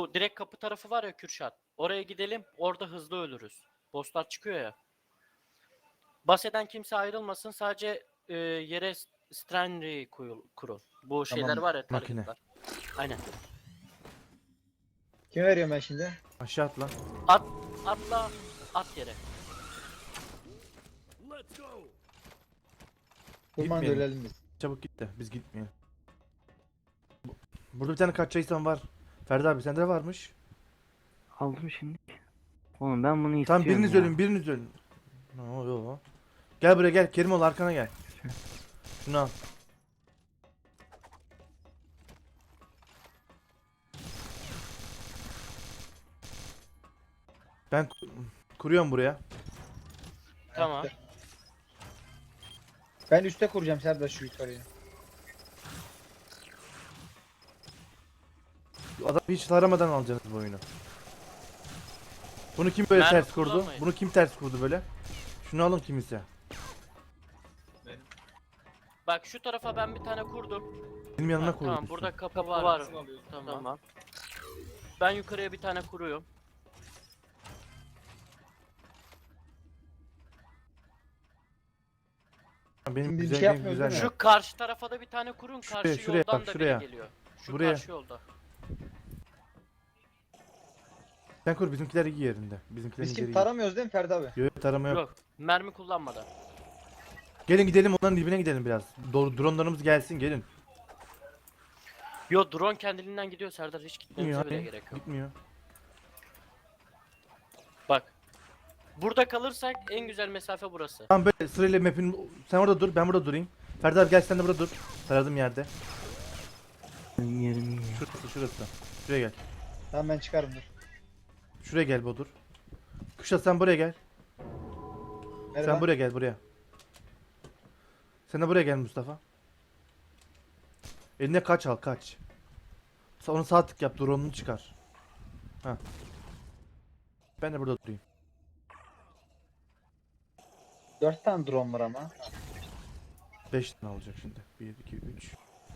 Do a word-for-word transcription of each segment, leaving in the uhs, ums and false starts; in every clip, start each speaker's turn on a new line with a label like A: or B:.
A: Bu direkt kapı tarafı var ya Kürşat. Oraya gidelim. Orada hızlı ölürüz. Bosslar çıkıyor ya. Bas eden kimse ayrılmasın. Sadece e, yere Strandry kurun. Bu şeyler
B: Tamam.
A: var ya
C: Makine.
A: targetlar. Aynen.
B: Kim veriyorum ben şimdi?
C: Aşağı at lan.
A: At, atla, at yere.
B: Durman da
C: Gitmeyelim.
B: ölelim biz.
C: Çabuk git de biz gitmeyelim. Bu- Burada bir tane kaçacaksan var. Ferdi abi sende de varmış.
D: Aldım şimdi. Oğlum ben bunu istiyorum
C: Tamam biriniz
D: ya.
C: ölün biriniz ölün. Ne oluyor? Gel buraya gel. Kerimoğlu arkana gel. Şunu al. Ben ku- kuruyorum buraya.
A: Tamam.
B: Ben üste kuracağım Serdar şu yukarıya.
C: Adam hiç taramadan alacaksınız bu oyunu. Bunu kim böyle
A: Mermi
C: ters kurdu?
A: kullanmayın.
C: Bunu kim ters kurdu böyle? Şunu alın kimse.
A: Bak şu tarafa ben bir tane kurdum.
C: Benim yanıma
A: Ha,
C: kurdu.
A: tamam burada kapı var. Tamam. tamam. Ben yukarıya bir tane kuruyorum.
C: Benim
B: Şimdi bir
C: güzel,
B: şey
C: benim
B: yapmıyoruz
C: güzel.
B: değil mi?
A: Şu karşı tarafa da bir tane kurun.
C: Şuraya,
A: Karşı
C: şuraya
A: yoldan
C: bak,
A: da
C: şuraya.
A: biri geliyor. Şu
C: Buraya.
A: karşı yolda.
C: Sen kur bizimkiler iyi yerinde. Bizimkilerin
B: Biz
C: yeri
B: kim
C: iyi.
B: taramıyoruz değil mi Ferdi abi?
C: Yok yok, tarama yok.
A: Yok. Mermi kullanmadan.
C: Gelin gidelim onların dibine gidelim biraz. Do dronlarımız gelsin gelin.
A: Yo drone kendiliğinden gidiyor Serdar. Hiç
C: Gitmiyor
A: gitmemize bile
C: hani.
A: gerek yok.
C: Gitmiyor.
A: Bak. Burada kalırsak en güzel mesafe burası.
C: Tamam böyle sırayla map'in sen orada dur ben burada durayım. Ferdi abi gel sen de burada dur. Taradığım yerde.
D: Ben yerim iyi.
C: Şurası şurası. Şuraya gel.
B: Tamam ben çıkarım dur.
C: Şuraya gel Bodur. Kuşat sen buraya gel.
B: Merhaba.
C: Sen buraya gel buraya. Sen de buraya gel Mustafa. Eline kaç al kaç. Sa- Onu sağ tık yap drone'unu çıkar. Ha. Ben de burada durayım.
B: Dört tane drone var ama.
C: beş tane olacak şimdi. bir iki üç.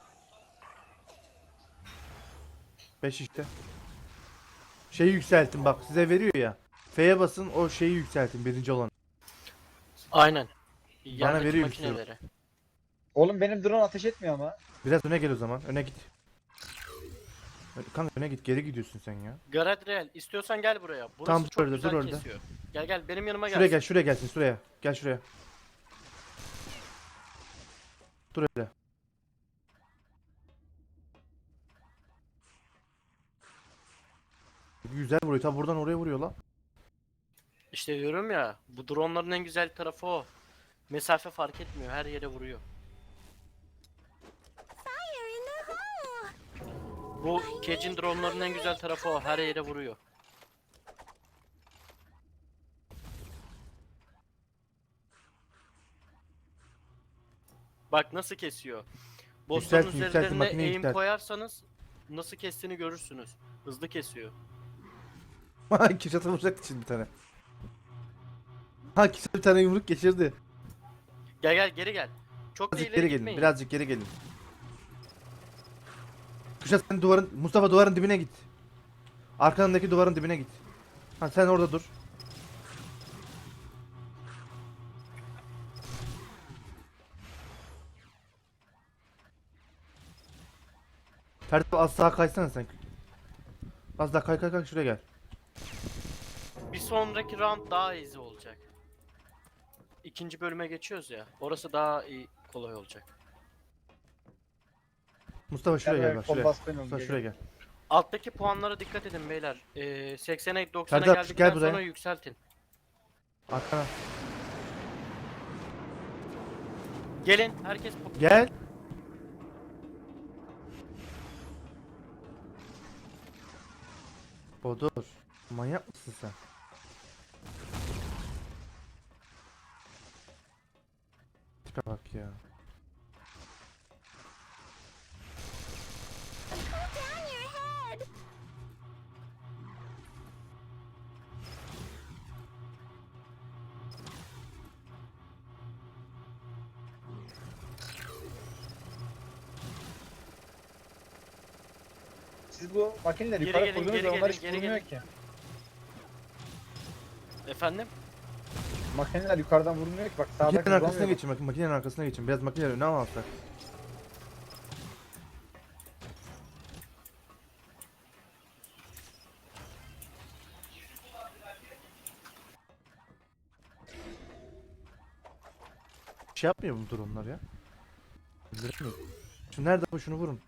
C: beş işte. Şeyi yükseltin bak size veriyor ya. F'ye basın o şeyi yükseltin birinci olan.
A: Aynen. Yerdeki
C: veriyor
A: makineleri.
B: Oğlum benim drone ateş etmiyor ama.
C: Biraz öne gel o zaman. Öne git. Kanka öne git. Geri gidiyorsun sen ya.
A: Galadriel istiyorsan gel buraya. Burası
C: Tamam, dur
A: çok
C: orada,
A: güzel
C: dur orada.
A: kesiyor. Gel gel benim yanıma gel.
C: Şuraya gel. Şuraya gelsin. Şuraya. Gel şuraya. Dur öyle. Güzel vuruyor. Tabi buradan oraya vuruyor lan.
A: İşte diyorum ya bu dronların en güzel tarafı o. Mesafe fark etmiyor. Her yere vuruyor. Bu Cage'in dronların en güzel tarafı o. Her yere vuruyor. Bak nasıl kesiyor. Bossların
C: Yükseltin, yükseltin,
A: üzerlerine
C: makineyi
A: aim
C: yükselt.
A: koyarsanız nasıl kestiğini görürsünüz. Hızlı kesiyor.
C: Kişat'a vuracaktı şimdi bir tane. Ha Kişat bir tane yumruk geçirdi.
A: Gel gel geri gel. Çok da
C: Birazcık
A: ileri
C: geri gelin.
A: gitmeyin.
C: Birazcık geri gelin. Kuşat sen duvarın Mustafa duvarın dibine git. Arkandaki duvarın dibine git. Ha sen orada dur. Ferdi az sağa kaysana sen. Az daha kay kay kay şuraya gel.
A: Bir sonraki round daha easy olacak. İkinci bölüme geçiyoruz ya. Orası daha iyi, kolay olacak.
C: Mustafa şuraya gel bak
B: Kol
C: şuraya.
B: basmayın oğlum,
C: Mustafa şuraya gel.
A: Alttaki puanlara dikkat edin beyler. Ee, seksene doksana
C: Serdar,
A: geldikten
C: gel buraya.
A: sonra yükseltin.
C: Arkana.
A: Gelin herkes pu-
C: Gel. Bodur. Manyak mısın sen? Tipe bak ya.
B: siz bu makineleri
A: Geri
B: yukarı
A: gelin,
B: koydunuz
A: geri
B: da onlar
A: gelin,
B: hiç
A: geri
B: vurmuyor
A: gelin.
B: ki.
A: Efendim?
B: Makineler yukarıdan vurmuyor ki bak sağdaki
C: Makinenin arkasına
B: vuramıyor.
C: geçin. Bak, makinenin arkasına geçin. Biraz makineleri öne alsak. Bir şey yapmıyor bu dronlar ya. Öldüremiyor. Şu nerede bu, şunu vurun.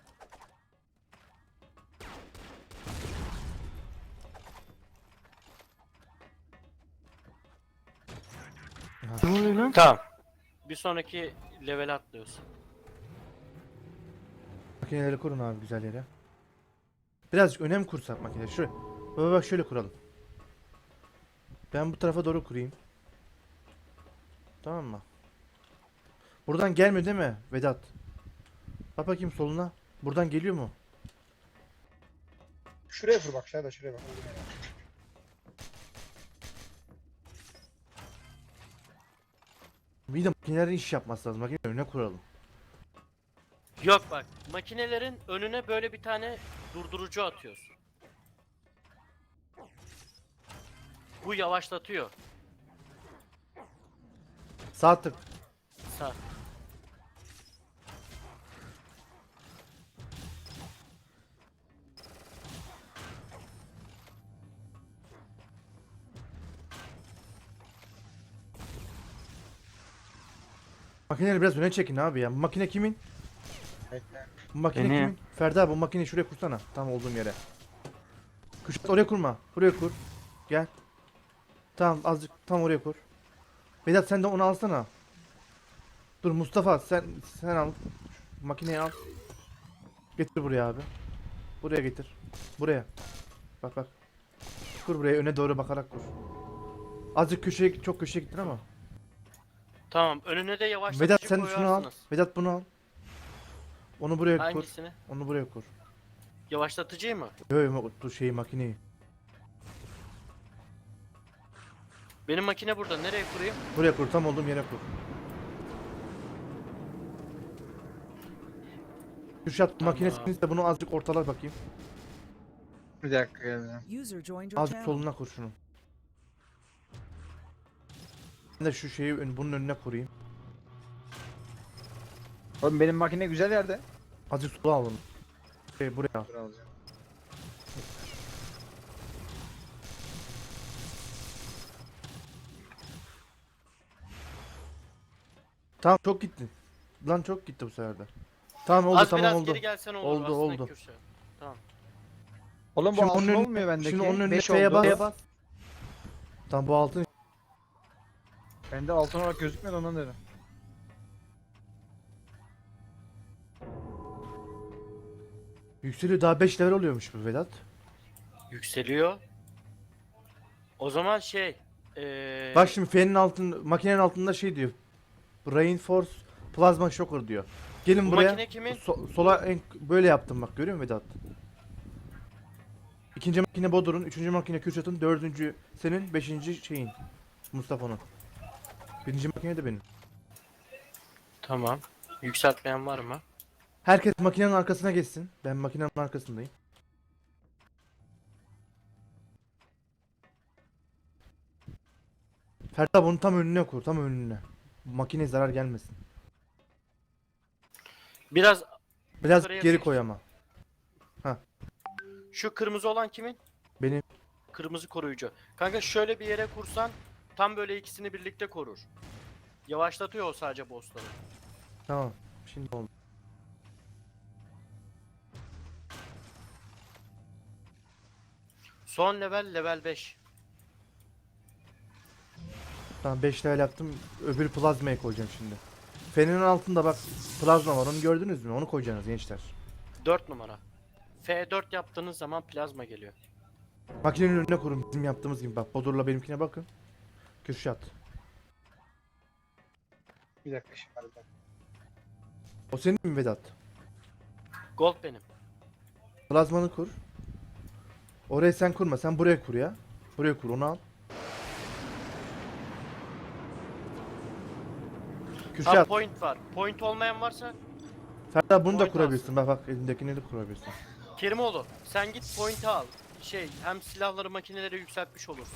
D: Ne oluyor lan?
A: Tamam. Bir sonraki level atlıyoruz.
C: Makineleri kurun abi güzel yere. Birazcık önem kursak makineleri. Şuraya. Baba bak şöyle kuralım. Ben bu tarafa doğru kurayım. Tamam mı? Buradan gelmiyor değil mi Vedat? Bak bakayım soluna. Buradan geliyor mu?
B: Şuraya vur bak şuraya da şuraya bak.
C: Bir de makinelerin iş yapması lazım. Makineleri önüne kuralım.
A: Yok bak, makinelerin önüne böyle bir tane durdurucu atıyorsun. Bu yavaşlatıyor.
C: Sağ tık.
A: Sağ.
C: Makineleri biraz öne çekin abi ya. Bu makine kimin?
B: Bekle.
C: Bu makine
D: Benim.
C: kimin? Ferda bu makineyi şuraya kursana. Tam olduğum yere. Kuşat oraya kurma. Buraya kur. Gel. Tamam azıcık tam oraya kur. Vedat sen de onu alsana. Dur Mustafa sen sen al. Şu makineyi al. Getir buraya abi. Buraya getir. Buraya. Bak bak. Kur buraya öne doğru bakarak kur. Azıcık köşeye çok köşeye gittin ama.
A: Tamam, önüne de yavaşlatıcı
C: Vedat sen şunu al.
A: koyarsınız.
C: Vedat bunu al. Onu buraya kur.
A: Hangisini?
C: Onu buraya kur.
A: Yavaşlatıcıyı mı?
C: Yo yo dur şeyi makineyi.
A: Benim makine burada. Nereye kurayım?
C: Buraya kur tam olduğum yere kur. Kürşat
A: Tamam.
C: makinesini de bunu azıcık ortala bakayım.
B: Bir dakika geldim.
E: User joined your
C: Azıcık
E: channel.
C: soluna kur şunu. Ben de şu şeyi ön- bunun önüne kurayım.
B: Oğlum benim makine güzel yerde.
C: Azıcık sola alın. Şey buraya al.
B: Dur alacağım.
C: Tamam çok gitti. Lan çok gitti bu sefer de. Tamam oldu
A: Az
C: tamam
A: biraz
C: oldu.
A: geri gelsen olur.
C: Oldu,
A: aslında
C: oldu.
A: Kürşat. Tamam.
B: Oğlum bu
C: Şimdi
B: altın
C: onun önüne-
B: olmuyor bendeki.
C: Şimdi onun önüne
B: beş
C: F'ye
B: oldu.
C: bas. Tamam bu altın.
B: Bende altın olarak gözükmüyor ondan dedim.
C: Yükseliyor daha beş level oluyormuş bu Vedat.
A: Yükseliyor. O zaman şey... Ee,
C: Bak şimdi F'nin altın makinenin altında şey diyor. Reinforce Plasma Shocker diyor. Gelin
A: Bu
C: buraya.
A: makine kimin?
C: So- sola en böyle yaptım bak görüyor musun Vedat? İkinci makine Bodur'un, üçüncü makine Kürşat'ın, dördüncü senin, beşinci şeyin Mustafa'nın. Birinci makine de benim.
A: Tamam. Yükseltmeyen var mı?
C: Herkes makinenin arkasına geçsin. Ben makinenin arkasındayım. Ferda bunu tam önüne kur, tam önüne. Makineye zarar gelmesin.
A: Biraz
C: Biraz
A: Yukarıya
C: geri
A: bir-
C: koy ama.
A: şu kırmızı olan kimin?
C: Benim.
A: Kırmızı koruyucu. Kanka şöyle bir yere kursan tam böyle ikisini birlikte korur. Yavaşlatıyor o sadece bossları.
C: Tamam. Şimdi oldu.
A: Son level level beş.
C: Tamam beş level yaptım. Öbür plazmayı koyacağım şimdi. Fenerin altında bak plazma var. Onu gördünüz mü? Onu koyacaksınız gençler.
A: dört numara. F dört yaptığınız zaman plazma geliyor.
C: Makinenin önüne kurun bizim yaptığımız gibi. Bak Bodur'la benimkine bakın. Kürşat.
B: Bir dakika şimdi hadi.
C: O senin mi Vedat?
A: Gold benim.
C: Plazmanı kur. Oraya sen kurma. Sen buraya kur ya. Buraya kur onu al.
A: Abi
C: Kürşat.
A: point var. Point olmayan varsa
C: Ferda bunu da
A: point
C: kurabilirsin. Bak bak elindekini de kurabilirsin.
A: Kerimoğlu sen git point'i al. Şey hem silahları makineleri yükseltmiş olursun.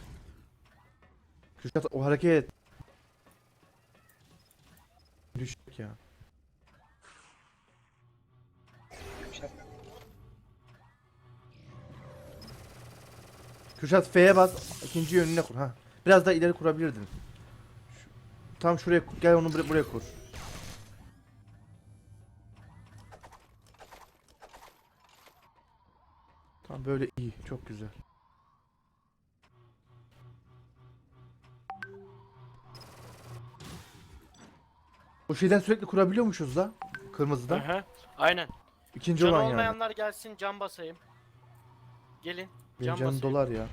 C: Kürşat o hareket. Düşük ya. Kürşat F'ye bas. İkinci yönüne kur. Ha. Biraz daha ileri kurabilirdin. Şu- tam şuraya kur- gel onu buraya, buraya kur. Tam böyle iyi. Çok güzel. O şeyden sürekli kurabiliyormuşuz da. Kırmızıdan.
A: Hı. Aynen.
C: İkinci
A: Canı
C: olan yani.
A: olmayanlar gelsin can basayım. Gelin.
C: Benim
A: Can
C: canım
A: basayım.
C: dolar ya.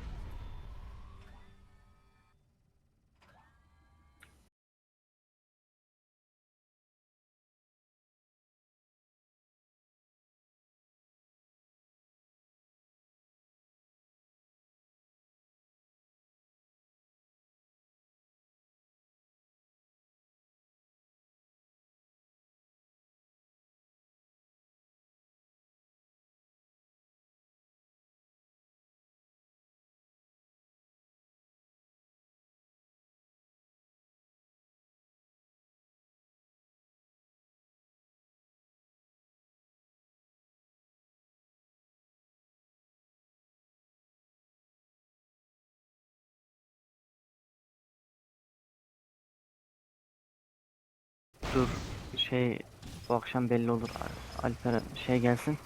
D: Dur. Şey bu akşam belli olur. Alper şey gelsin.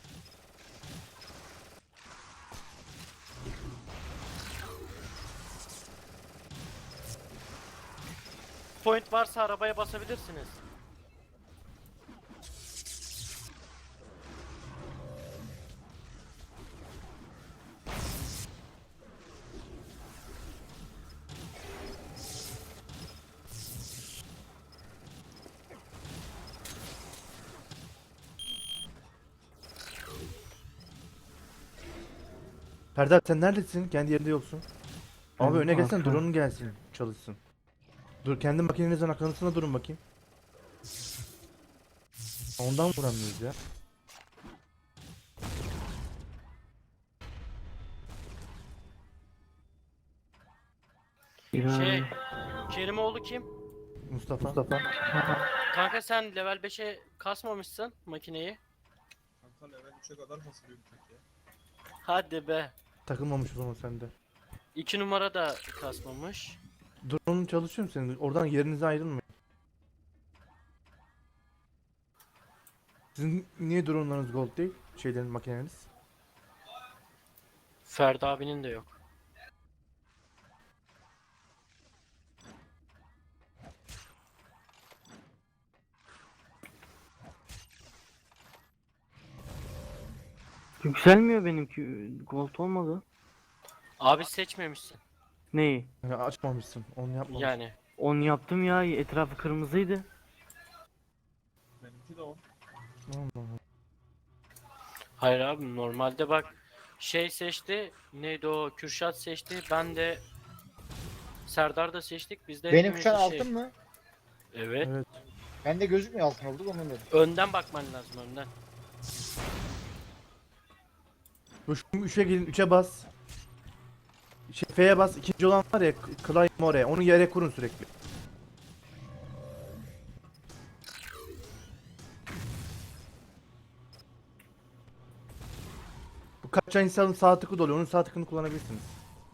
A: Point varsa arabaya basabilirsiniz.
C: Serdar sen neredesin? Kendi yerinde yoksun. Abi
D: Ben
C: öne gelsen
D: arka-
C: drone'un gelsin. Çalışsın. Dur kendi makinenizin akıntısına durun bakayım. Ondan vuramıyoruz ya.
D: Ya,
A: Şey Kerimoğlu kim?
C: Mustafa. Mustafa.
A: Kanka sen level beşe kasmamışsın makineyi.
B: Kanka level üçe kadar basılıyor bir tek ya.
A: Hadi be.
C: Takılmamış o zaman sende.
A: İki numara da kasmamış.
C: Drone'un çalışıyor mu senin? Oradan yerinize ayrılmayın. Sizin niye drone'larınız gold değil? Şeylerin makineniz.
A: Ferdi abinin de yok.
D: yükselmiyor benimki. Gold olmadı.
A: Abi seçmemişsin.
D: Neyi?
C: Yani açmamışsın. Onu yapmamışsın.
A: Yani.
D: Onu yaptım ya. Etrafı kırmızıydı.
B: Benimki de o.
C: Allah Allah.
A: Hayır abi normalde bak şey seçti. Neydi o? Kürşat seçti. Ben de Serdar da seçtik. Biz de
E: Benim
A: hepimiz
E: kuşan
A: de
E: altın
A: şey.
E: mı?
A: Evet.
C: Evet.
E: Bende gözükmüyor altın oldu onun dedim.
A: Önden bakman lazım önden.
C: Bu şu üçe gelin. Üçe bas. Şey, F'ye bas. İkinci olan var ya. Climb oraya. Onu yere kurun sürekli. Bu kaçan insanın sağ tıkı doluyor. Onun sağ tıkını kullanabilirsiniz.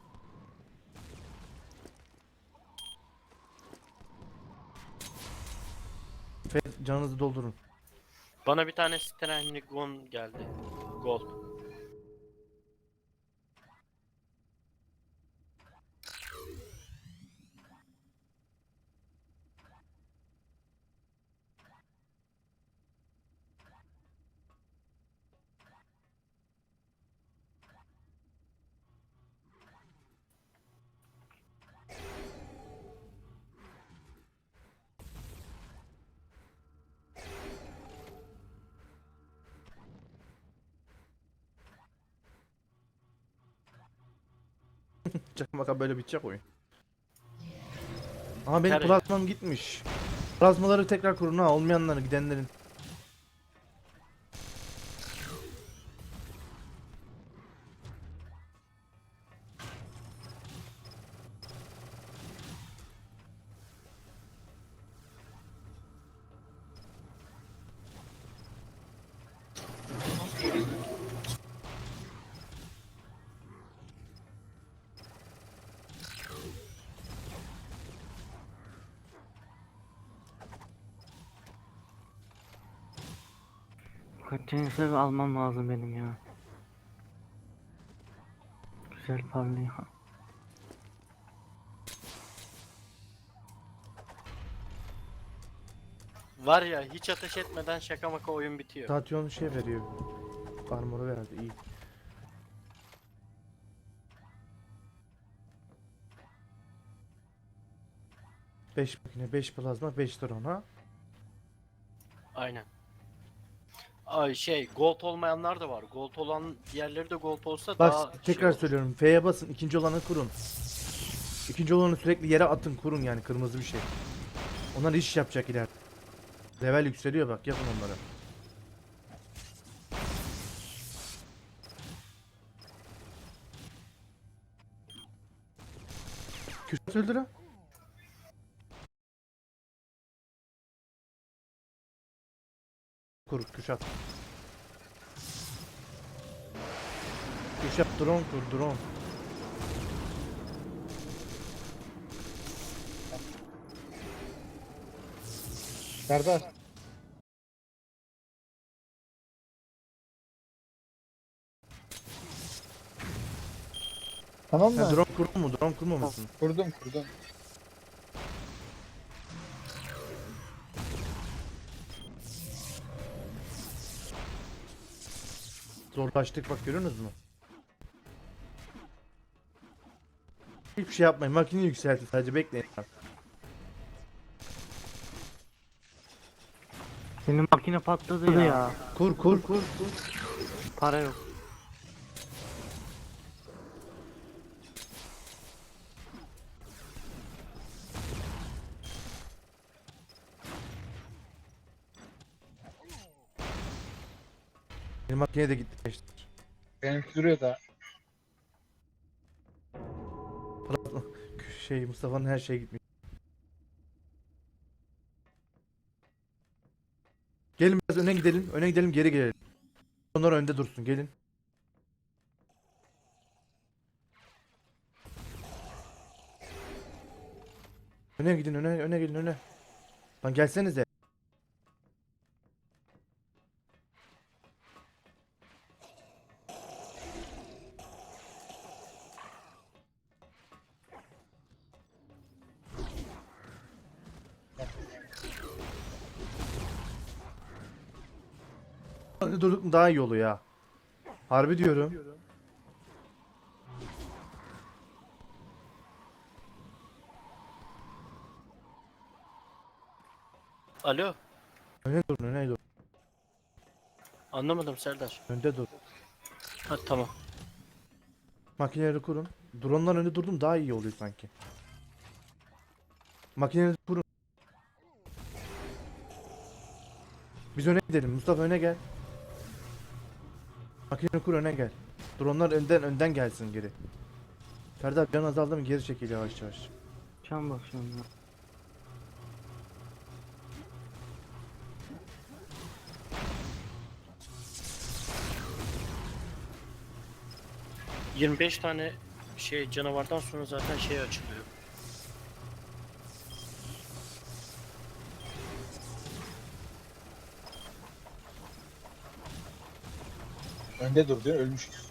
C: F canınızı doldurun.
A: Bana bir tane Stanley Gun geldi. Gold.
C: Çakmaka böyle bitecek oyun. Ama benim
A: Nereye?
C: plazmam gitmiş. Plazmaları tekrar kurun ha. Olmayanların gidenlerin.
D: Kaçıncı seviye almam lazım benim ya. Güzel parlıyor.
A: Var ya hiç ateş etmeden şaka maka oyun bitiyor.
C: Tatyon şey veriyor. Armoru verdi iyi. beş makine, beş plazma, beş drone ha.
A: Aynen. Ay şey gold olmayanlar da var. Gold olan diğerleri de gold olsa
C: Bak
A: daha
C: tekrar
A: şey olur.
C: söylüyorum. F'ye basın. İkinci olanı kurun. İkinci olanı sürekli yere atın kurun yani kırmızı bir şey. Onlar iş yapacak ileride. Level yükseliyor bak yapın onları. Kürşat öldür ha. Kur Kürşat. Kürşat drone kur drone.
E: Serdar. Tamam
C: Sen
E: mı?
C: drone kurdun mu? Drone kurmamışsın.
E: Kurdum kurdum.
C: Zorlaştık bak görüyorsunuz mu? Hiçbir şey yapmayın. Makineyi yükseltin sadece bekleyin.
D: Benim makine patladı ya. ya.
C: Kur kur kur.
D: Para yok.
C: Benim makineye de gitti gençler.
E: Benimki duruyor da.
C: Şey Mustafa'nın her şeye gitmiş. Gelin biraz öne gidelim. Öne gidelim geri gelelim. Onlar önde dursun gelin. Öne gidin öne öne gelin öne. Lan gelsenize. Önde durduk mu daha iyi oluyor ya. Harbi diyorum.
A: Alo.
C: Öne durun öne dur.
A: Anlamadım Serdar.
C: Önde dur.
A: Ha tamam.
C: Makineleri kurun. Drone'dan önde durdum daha iyi oluyor sanki. Makineleri kurun. Biz öne gidelim. Mustafa öne gel. Makineleri kur öne gel. Drone'lar önden önden gelsin geri. Serdar can azaldı mı geri çekil yavaş yavaş.
D: Can bakıyorum ya.
A: yirmi beş tane şey canavardan sonra zaten şey açılıyor.
E: Önde dur diyor ölmüşüz.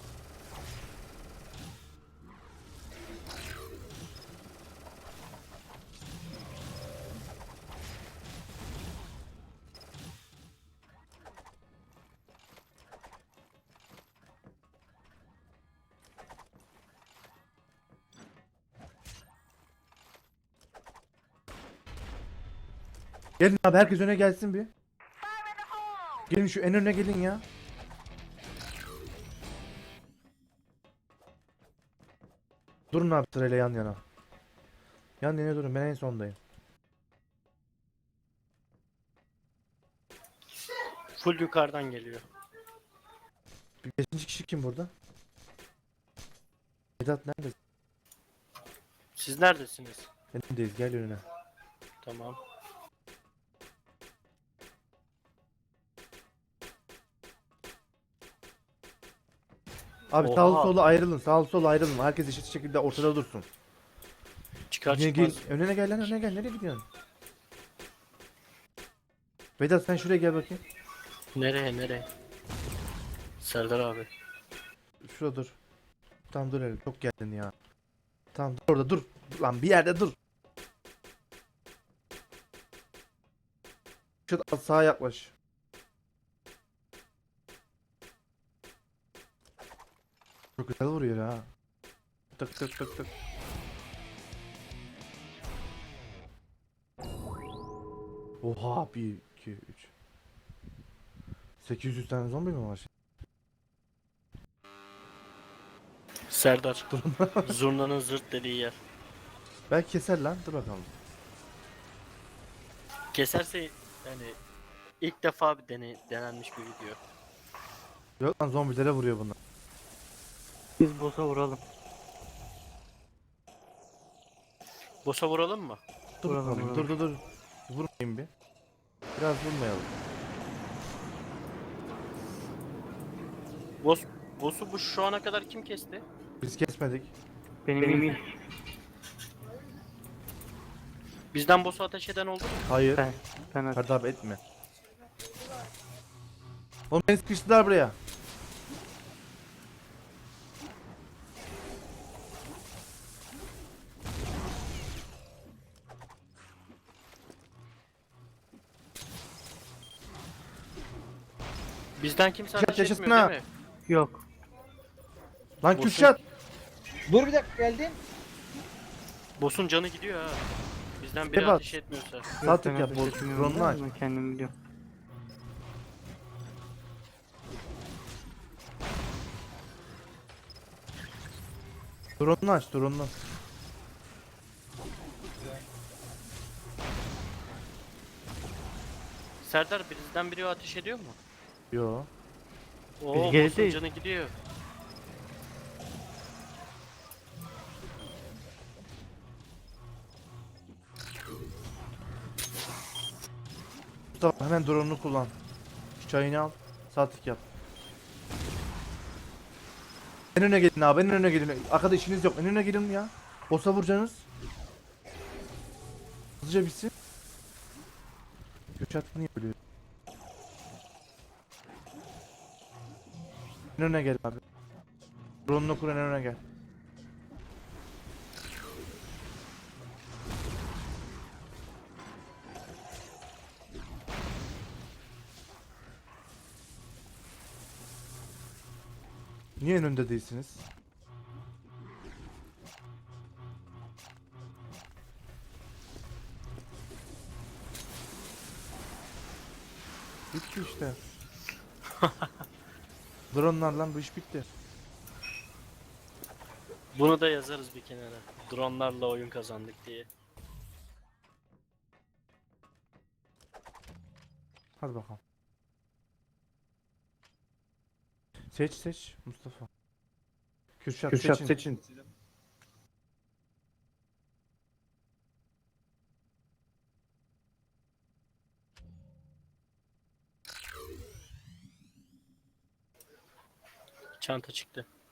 C: Gelin abi herkes öne gelsin bir. Gelin şu en öne gelin ya. Durun abi sırayla yan yana. Yan yana durun ben en sondayım.
A: Full yukarıdan geliyor.
C: Bir beşinci kişi kim burada? Vedat neredesin?
A: Siz neredesiniz?
C: Önündeyiz gel önüne.
A: Tamam.
C: Abi
A: Oha.
C: sağlı solu ayrılın sağlı solu ayrılın. Herkes eşit şekilde ortada dursun.
A: Çıkar
C: Gel,
A: çıkmaz.
C: gel, önüne gel lan önüne gel nereye gidiyorsun? Vedat sen şuraya gel bakayım.
A: Nereye nereye? Serdar abi.
C: Şurada dur. Tamam dur hele. Çok geldin ya. Tamam dur orada dur. Lan bir yerde dur. Kürşat sağa yaklaş. Çok güzel vuruyor ha. Tık tık tık tık. Oha bir iki üç. sekiz yüz tane zombi mi var?
A: Serdar. Zurnanın zırt dediği yer.
C: Belki keser lan. Dur bakalım.
A: Keserse yani ilk defa bir dene, denenmiş bir video.
C: Yok lan zombilere vuruyor bunlar.
D: Biz boss'a vuralım.
A: Boss'a vuralım mı?
C: Dur
D: Vuralım,
C: bakalım.
D: vuralım.
C: Dur dur dur. Vurmayayım bir. Biraz vurmayalım.
A: Boss, boss'u bu şu ana kadar kim kesti?
C: Biz kesmedik.
D: Benim,
C: Benim
D: Benim
A: Bizden boss'u ateş eden oldu mu?
C: Hayır.
D: ben ben at-
C: Serdar abi etme. Oğlum beni sıkıştılar buraya.
A: Bizden kimse
C: Kürşat
A: ateş
C: yaşasın
A: etmiyor
C: ha.
A: değil mi?
D: yok.
C: Lan
A: Boss'un-
C: Kürşat.
E: Dur bir dakika geldin.
A: Boss'un canı gidiyor ha. Bizden biri
C: Şeye bak.
A: ateş etmiyorsa.
C: Sağ tık
D: Ben
C: yap.
D: ateş
C: Bol
D: etmiyorum
C: drone'unu
D: da
C: aç.
D: ben kendim biliyorum.
C: Drone'unu aç. Drone'unu.
A: Serdar bizden biri ateş ediyor mu?
C: Yo.
A: Oo,
D: Biz
A: boss'un
D: gerideyiz.
A: canı gidiyor.
C: Mustafa hemen drone'unu kullan. Şu çayını al. Sağ tık yap. En öne gelin abi. En öne gelin. Arkada işiniz yok. En öne gelin ya. Boss'a vuracaksınız. Hızlıca bitsin. Kürşat niye ölüyor? En öne gel abi. Drone'unu kur en öne gel. Niye en önde değilsiniz? Bitti işte. Drone'larla bu iş bitti.
A: Bunu da yazarız bir kenara. Dronlarla oyun kazandık diye.
C: Hadi bakalım. Seç seç Mustafa. Kürşat,
B: Kürşat
C: seçin.
B: seçin.
A: Çanta çıktı.